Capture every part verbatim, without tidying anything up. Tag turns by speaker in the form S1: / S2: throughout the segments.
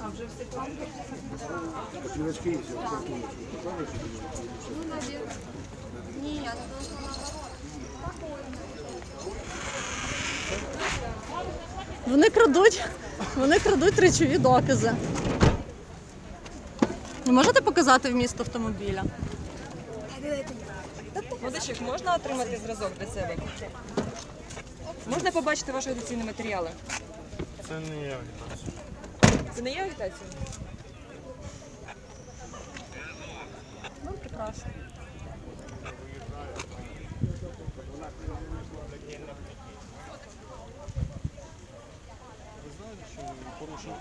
S1: А вже всі планки?
S2: Квиточки есть, я вот
S1: Ну, наверное. Нет,
S3: Вони крадуть, вони крадуть речові докази. Ви можете показати вміст автомобіля?
S4: Молодичок, можна отримати зразок для себе? Можна побачити ваші агітаційні матеріали?
S5: Це не я агітація.
S4: Це не є агітація?
S3: Ну, прекрасно.
S5: Ви знаєте, що ви порушили?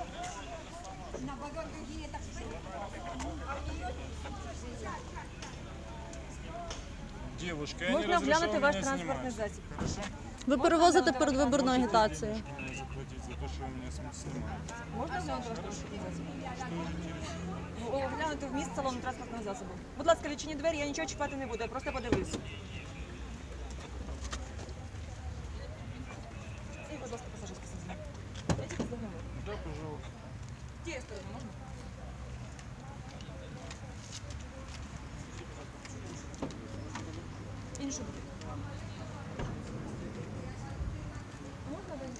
S5: Девушка, я не
S4: Можна
S5: разрешал
S4: оглянути ваш
S5: меня
S4: транспортний
S5: снимать.
S4: засіб?
S5: Хорошо?
S3: Ви перевозите передвиборну агітацію.
S5: Можете мне заплатить за то, что вы меня см- снимаете.
S4: Можна оглянути ваш транспортний засіб? Ну, оглянути вміст салону транспортного засобу. Будь ласка, відчиніть двері, я нічого чіпати не буду, я просто подивлюсь. І, будь ласка, пасажирський сидіння. Я тільки здогнаю.
S5: Да, пожалуйста.
S4: Тією стороною можна? Іншу буде. Можна ви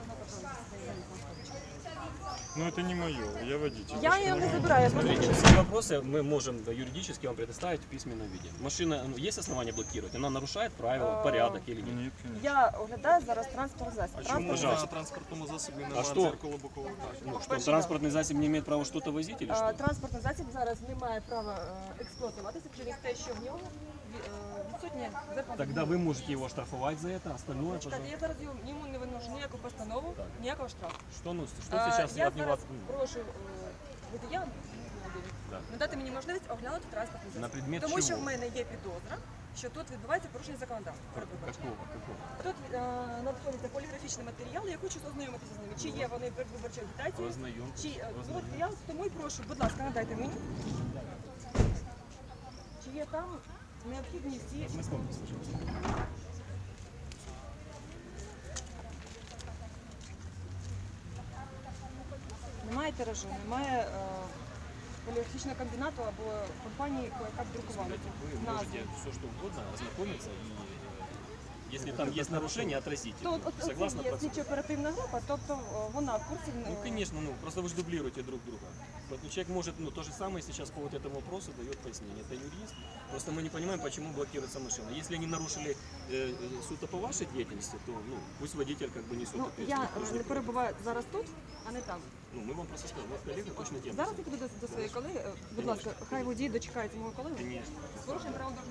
S5: Ну это не мое, я водитель.
S4: Я ее не забираю, я просто...
S6: Смотрите, все вопросы мы можем да, юридически вам предоставить в письменном виде. Машина, ну, есть основания блокировать? Она нарушает правила, порядок или нет?
S5: Нет, конечно.
S4: Я оглядаю зараз транспортний засіб.
S5: А чому
S4: Транспортний
S6: Пожалуйста.
S5: на транспортному засобі
S6: А
S5: немає
S6: що?
S5: дзеркало бокового бачення?
S6: Ну, что,
S4: Спасибо.
S6: транспортный засіб не имеет права что-то возить или
S4: А,
S6: что?
S4: Транспортний засіб зараз не має права е, експлуатуватися через те, що в нього ві- е, відсутнє закон.
S6: Тогда вы можете его штрафовать за это, остальное,
S4: Чекайте,
S6: пожалуйста.
S4: я зараз йому йому не виношу ніяку постанову, ніякого штрафу.
S6: Что, ну, что
S4: А,
S6: сейчас
S4: я
S6: от него...
S4: зараз прошу е, водія
S6: Да.
S4: надати мені можливість оглянути транспортний засіб.
S6: На предмет
S4: Тому
S6: чого?
S4: що в мене є підозра, що тут відбувається порушення законодавства. передвиборчого.
S6: Какого? Какого?
S4: Тут е, надходяться поліграфічні матеріали, я хочу ознайомитися з ними. Чи є вони передвиборчою агітацією?
S6: Ознайомтесь,
S4: Чи е, от
S6: ознайомтесь.
S4: я тому і прошу, будь ласка, надайте мені. Чи є там необхідні всі.
S6: Ознакомьтесь, пожалуйста.
S4: Немає тиражу, немає е, поліграфічного комбінату або компанії, яка б друкувала
S6: Вы
S4: назву.
S6: можете все что угодно ознакомиться и э, если там есть нарушение, отразите.
S4: То от, от,
S6: Согласно
S4: це є
S6: процедуре?
S4: слідчо-оперативна група, тобто е, вона в курсі. е,
S6: Ну, конечно, ну, просто вы же дублируете друг друга. Поэтому человек может, ну, то же самое сейчас по вот этому вопросу дает пояснение. Это юрист. Просто мы не понимаем, почему блокируется машина. Если они нарушили э, э, суто по вашей деятельности, то, ну, пусть водитель как бы несет
S4: Ну, я
S6: ответственность. Мы же
S4: е,
S6: не
S4: не
S6: против.
S4: перебуваю зараз тут, а не там.
S6: Ну, мы вам просто скажем, у вас коллега точно тем.
S4: Зараз я піду до, до своєї колеги. Е, Будь ласка, хай водій дочекається мого колеги.
S6: Конечно.
S4: З порушенням правил дорожнього